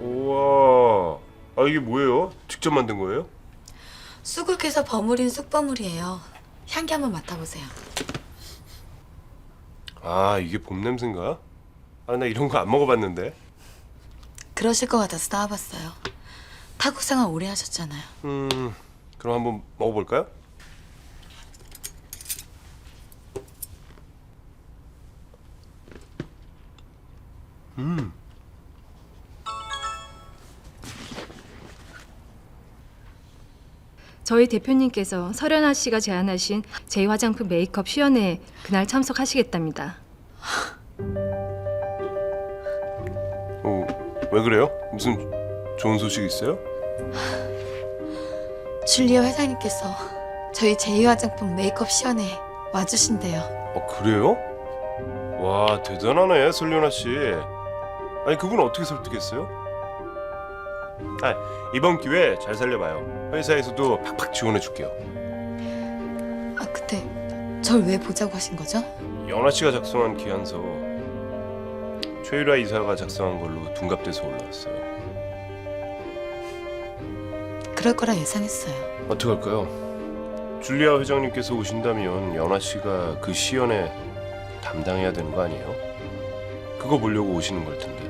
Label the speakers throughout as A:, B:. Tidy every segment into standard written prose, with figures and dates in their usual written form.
A: 우와. 아, 이게 뭐예요? 직접 만든 거예요?
B: 쑥을 버무린 쑥버무리예요. 향기 한번 맡아보세요.
A: 아, 이게 봄 냄새인가? 아, 나 이런 거 안 먹어봤는데.
B: 그러실 것 같아서 따와봤어요. 타국 생활 오래 하셨잖아요.
A: 그럼 한번 먹어볼까요?
C: 저희 대표님께서 설현아 씨가 제안하신 제2화장품 메이크업 시연회에 그날 참석하시겠답니다.
A: 왜 그래요? 무슨 좋은 소식 있어요?
B: 줄리아 회장님께서 저희 제2화장품 메이크업 시연회에 와주신대요.
A: 그래요? 와, 대단하네, 설련아 씨. 아니, 그분 어떻게 설득했어요? 아, 이번 기회 잘 살려봐요. 회사에서도 팍팍 지원해 줄게요.
B: 아, 근데 절 왜 보자고 하신 거죠?
A: 연아 씨가 작성한 기한서 최유라 이사가 작성한 걸로 둔갑돼서 올라왔어요.
B: 그럴 거라 예상했어요.
A: 어떡할까요? 줄리아 회장님께서 오신다면 연아 씨가 그 시연에 담당해야 되는 거 아니에요? 그거 보려고 오시는 걸 텐데.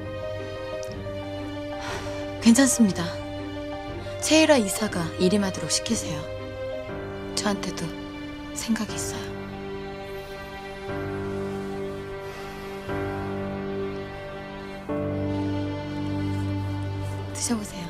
B: 괜찮습니다. 최일화 이사가 일임하도록 시키세요. 저한테도 생각이 있어요. 드셔보세요.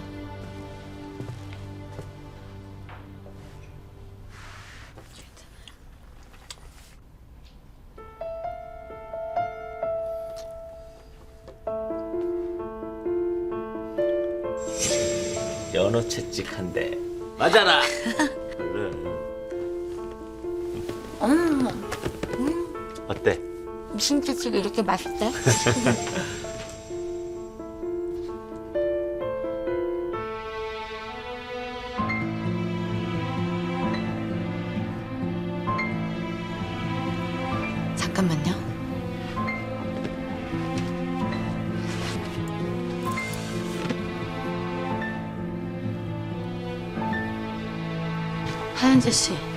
D: 연어 채찍한데 맞아라. 얼른. 어때?
B: 무슨 채찍이 이렇게 맛있대? 잠깐만요. 하은재 씨.